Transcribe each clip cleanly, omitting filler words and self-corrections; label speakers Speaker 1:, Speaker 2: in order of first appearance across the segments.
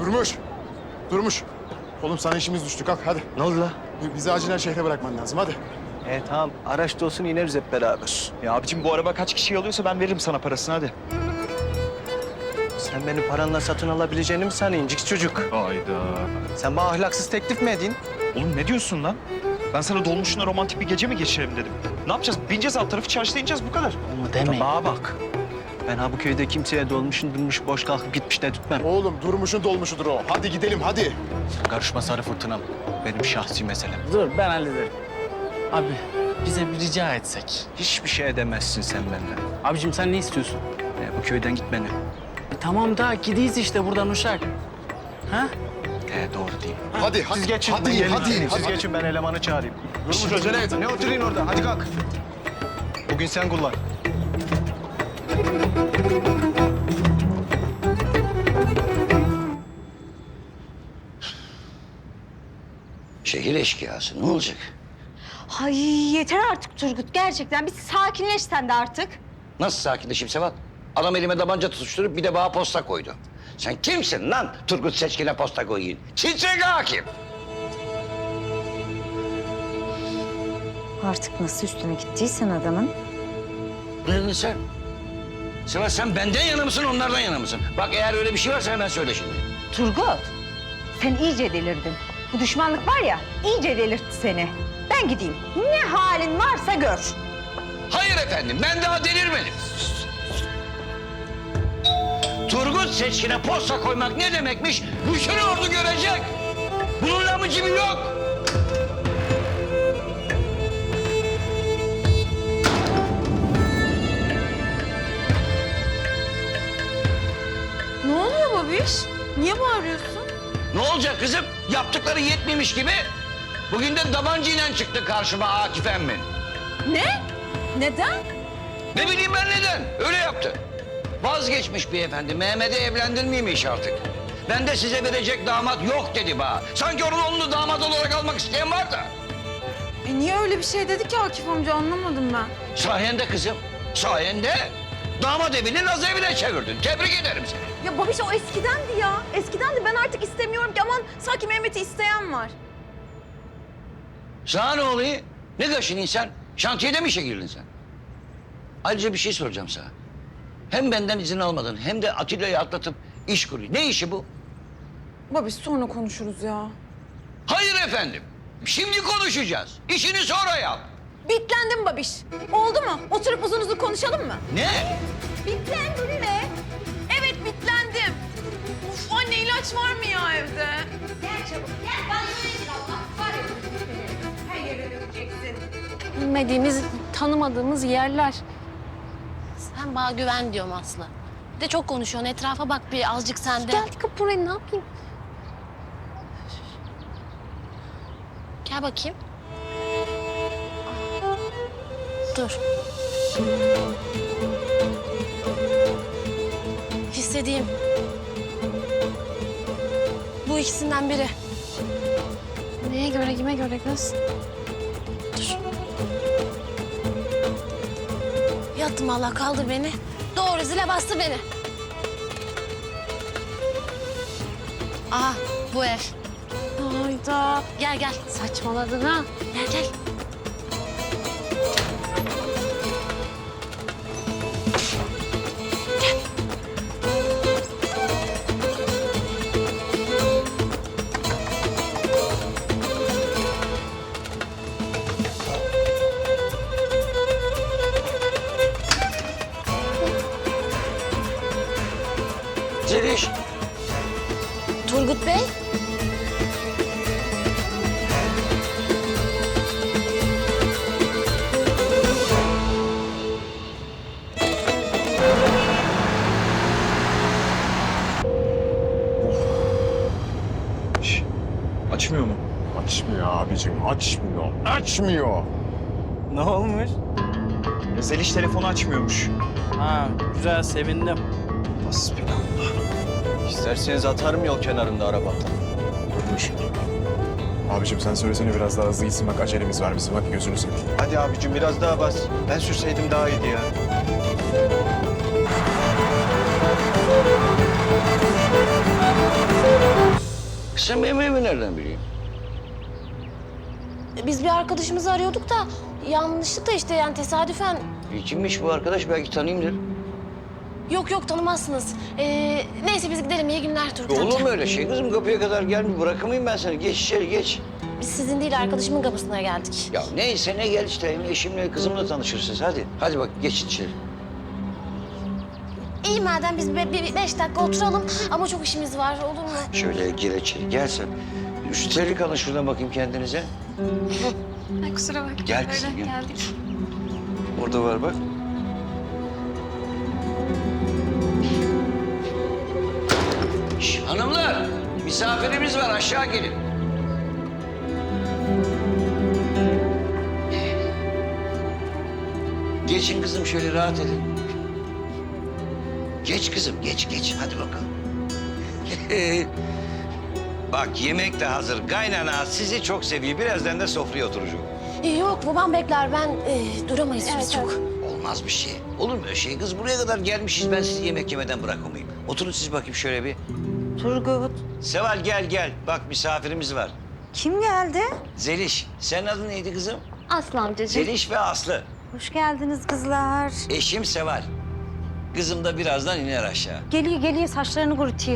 Speaker 1: Durmuş. Durmuş. Oğlum sana işimiz düştü. Kalk hadi.
Speaker 2: Ne oldu la?
Speaker 1: Bizi acilen şehre bırakman lazım. Hadi.
Speaker 2: Tamam. Araçta olsun ineriz hep beraber.
Speaker 3: Ya abicim bu araba kaç kişi alıyorsa ben veririm sana parasını hadi.
Speaker 2: Sen beni paranla satın alabileceğini mi sanıyorsun incik çocuk?
Speaker 3: Hayda.
Speaker 2: Sen bana ahlaksız teklif mi edin?
Speaker 3: Oğlum ne diyorsun lan? Ben sana dolmuşuna romantik bir gece mi geçirelim dedim. Ne yapacağız? Bineceğiz alt tarafı çarşıda ineceğiz bu kadar.
Speaker 2: Onu deme. Bana bak. Ben ha bu köyde kimseye dolmuşun durmuş boş kalkıp gitmiş de tutmam.
Speaker 1: Oğlum Durmuş'un dolmuşudur o. Hadi gidelim hadi.
Speaker 2: Sen karışma sarı fırtınam. Benim şahsi meselem.
Speaker 4: Dur ben hallederim. Abi bize bir rica etsek.
Speaker 2: Hiçbir şey edemezsin sen benden.
Speaker 4: Abicim sen ne istiyorsun?
Speaker 2: Bu köyden gitmeni.
Speaker 4: Tamam da gideyiz işte buradan Uşak. Ha?
Speaker 2: Doğru değil.
Speaker 1: Hadi hadi.
Speaker 2: Siz geçin.
Speaker 1: Hadi
Speaker 2: ben gelin.
Speaker 1: hadi.
Speaker 2: Siz
Speaker 1: hadi.
Speaker 2: geçin ben elemanı çağırayım.
Speaker 1: Durmuş acele et.
Speaker 2: Ne oturayım orada? Hadi kalk. Bugün sen kullan.
Speaker 5: Şehir eşkıyası ne olacak?
Speaker 6: Ay yeter artık Turgut gerçekten. Bir sakinleş sen de artık.
Speaker 5: Nasıl sakinleşeyim Sevat? Adam elime tabanca tutuşturup bir de bana posta koydu. Sen kimsin lan Turgut Seçkin'e posta koyayım? Titrek hakim.
Speaker 6: Artık nasıl üstüne gittiysen adamın.
Speaker 5: Ne dedin sen? Sevat sen benden yana mısın onlardan yana mısın? Bak eğer öyle bir şey varsa hemen söyle şimdi.
Speaker 6: Turgut sen iyice delirdin. Bu düşmanlık var ya iyice delirtti seni. Ben gideyim. Ne halin varsa gör.
Speaker 5: Hayır efendim ben daha delirmedim. Turgut Seçkin'e posta koymak ne demekmiş? Bütün ordu görecek. Bunun lamıcı yok.
Speaker 7: Ne oluyor babiş? Niye bağırıyorsun?
Speaker 5: Ne olacak kızım? Yaptıkları yetmemiş gibi. Bugün de tabancayla çıktı karşıma Akif emmin.
Speaker 7: Ne? Neden?
Speaker 5: Ne bileyim ben neden? Öyle yaptı. Vazgeçmiş beyefendi. Mehmet'i evlendirmeymiş artık. Ben de size verecek damat yok dedi bana. Sanki onun oğlunu damat olarak almak isteyen var da.
Speaker 7: Niye öyle bir şey dedi ki Akif amca anlamadım ben.
Speaker 5: Sayende kızım. Sayende damat evini naz evine çevirdin. Tebrik ederim seni.
Speaker 7: Ya babiş o eskidendi ya. Eskidendi ben artık istemiyorum ki aman sanki Mehmet'i isteyen var.
Speaker 5: Sana ne oluyor? Ne kaşınıyorsun sen? Şantiyede mi işe girdin sen? Ayrıca bir şey soracağım sana. Hem benden izin almadın hem de Atilla'yı atlatıp iş kuruyor. Ne işi bu?
Speaker 7: Babiş sonra konuşuruz ya.
Speaker 5: Hayır efendim. Şimdi konuşacağız. İşini sonra yap.
Speaker 7: Bitlendim babiş. Oldu mu? Oturup uzun uzun konuşalım mı?
Speaker 5: Ne?
Speaker 7: Bitlendin mi? Evet bitlendim. Uf anne ilaç var mı ya evde?
Speaker 6: Gel çabuk gel. Banyoya gir Allah. Var ya her yere dökeceksin.
Speaker 8: Bilmediğimiz, tanımadığımız yerler. Sen bana güven diyorum Aslı. Bir de çok konuşuyorsun. Etrafa bak bir azıcık sen de. Gel kapı buraya ne yapayım? Gel bakayım. Dur. Hissedeyim. Bu ikisinden biri. Neye göre, kime göre kız? Dur. Yattım Allah kaldır beni. Doğru zile bastı beni. Aha bu ev.
Speaker 7: Hayda.
Speaker 8: Gel gel saçmaladın ha. Gel gel.
Speaker 5: Zeliş.
Speaker 8: Turgut Bey.
Speaker 3: Açmıyor mu?
Speaker 1: Açmıyor abicim. Açmıyor. Açmıyor.
Speaker 4: Ne olmuş?
Speaker 3: Zeliş telefonu açmıyormuş.
Speaker 4: Ha güzel sevindim.
Speaker 3: Hasbinallah.
Speaker 2: İsterseniz atarım yol kenarında araba.
Speaker 1: Durmuş. Abicim sen söylesene biraz daha hızlı gitsin. Bak acelemiz var bizim. Hadi gözünü seveyim.
Speaker 2: Hadi abicim biraz daha bas. Ben sürseydim daha iyiydi ya.
Speaker 5: Sen benim evimi nereden biliyorsun?
Speaker 8: Biz bir arkadaşımızı arıyorduk da yanlışlıkla işte yani tesadüfen.
Speaker 5: Kimmiş bu arkadaş? Belki tanıyayımdır.
Speaker 8: Yok tanımazsınız. Neyse biz gidelim. İyi günler Turgut amca.
Speaker 5: Olur mu öyle şey kızım? Kapıya kadar gelme. Bırakamayayım ben seni. Geç içeri geç.
Speaker 8: Biz sizin değil arkadaşımın kapısına geldik.
Speaker 5: Ya neyse ne gel işte. Eşimle kızımla tanışırsınız. Hadi. Hadi bak geç içeri.
Speaker 8: İyi madem biz bir 5 dakika oturalım ama çok işimiz var olur mu?
Speaker 5: Şöyle gir içeri. Gel sen. Şu terlik alın şuradan bakayım kendinize.
Speaker 7: Ay kusura bakma.
Speaker 5: Gel kızım,
Speaker 7: Öyle
Speaker 5: gel.
Speaker 7: geldik.
Speaker 5: Orada var bak. Şş, hanımlar, misafirimiz var. Aşağı gelin. Geçin kızım şöyle rahat edin. Geç kızım, geç. Hadi bakalım. Bak yemek de hazır. Kaynana sizi çok seviyor. Birazdan da sofraya oturacak.
Speaker 8: Yok babam bekler ben duramayız biz çok.
Speaker 5: Olmaz bir şey. Olur mu öyle şey? Kız buraya kadar gelmişiz. Ben sizi yemek yemeden bırakamayayım. Oturun siz bakayım şöyle bir.
Speaker 6: Turgut.
Speaker 5: Seval gel. Bak misafirimiz var.
Speaker 6: Kim geldi?
Speaker 5: Zeliş. Senin adın neydi kızım?
Speaker 8: Aslı amcacığım.
Speaker 5: Zeliş ve Aslı.
Speaker 6: Hoş geldiniz kızlar.
Speaker 5: Eşim Seval. Kızım da birazdan iner aşağı.
Speaker 6: Geliyor saçlarını kurutuyor.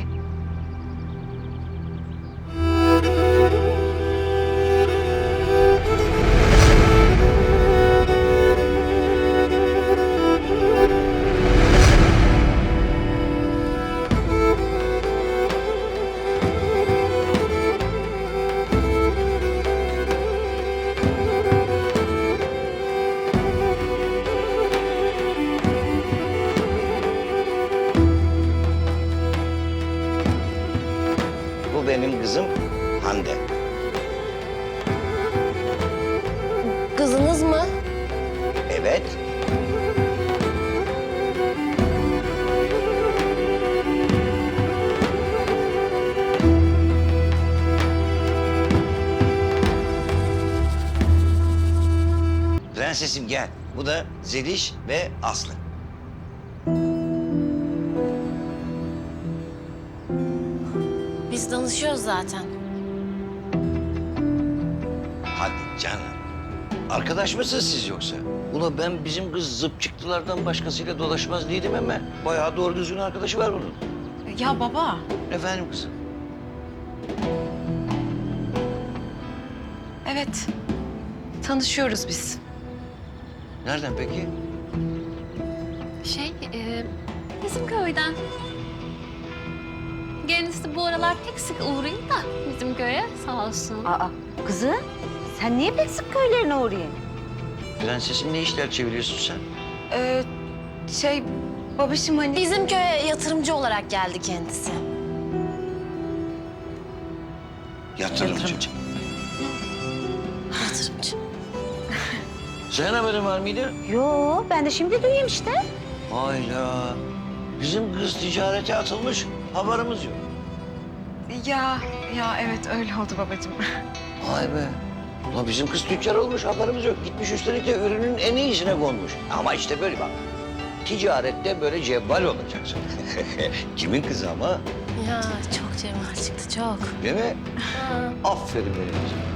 Speaker 5: Bu benim kızım Hande.
Speaker 8: Kızınız mı?
Speaker 5: Evet. Prensesim gel. Bu da Zeliş ve Aslı.
Speaker 8: Biz danışıyoruz zaten.
Speaker 5: Hadi canım. Arkadaş mısınız siz yoksa? Ula ben bizim kız zıp çıktılardan başkasıyla dolaşmaz değilim ama bayağı doğru düzgün arkadaşı var bunun.
Speaker 7: Ya baba.
Speaker 5: Efendim kızım?
Speaker 7: Evet. Tanışıyoruz biz.
Speaker 5: Nereden peki?
Speaker 9: Bizim köyden. Kendisi bu aralar pek sık uğrayın da bizim köye sağ olsun.
Speaker 6: Aa kızım sen niye pek sık köylerine uğrayın?
Speaker 5: Prensesim ne işler çeviriyorsun sen?
Speaker 7: Babacığım hani...
Speaker 8: Bizim köye yatırımcı olarak geldi kendisi.
Speaker 5: Yatırımcı.
Speaker 8: Yatırımcı.
Speaker 5: Senin haberin var mıydı?
Speaker 6: Yo ben de şimdi duyayım işte.
Speaker 5: Hayda. Bizim kız ticarete atılmış. Haberimiz yok.
Speaker 7: Ya evet öyle oldu babacığım.
Speaker 5: Vay be. Ulan bizim kız tüccar olmuş, haberimiz yok. Gitmiş üstelik de ürünün en iyisine konmuş. Ama işte böyle bak. Ticarette böyle cevval olacaksın. Kimin kızı ama?
Speaker 8: Ya çok cemal çıktı çok.
Speaker 5: Değil mi? Aferin benim kızım.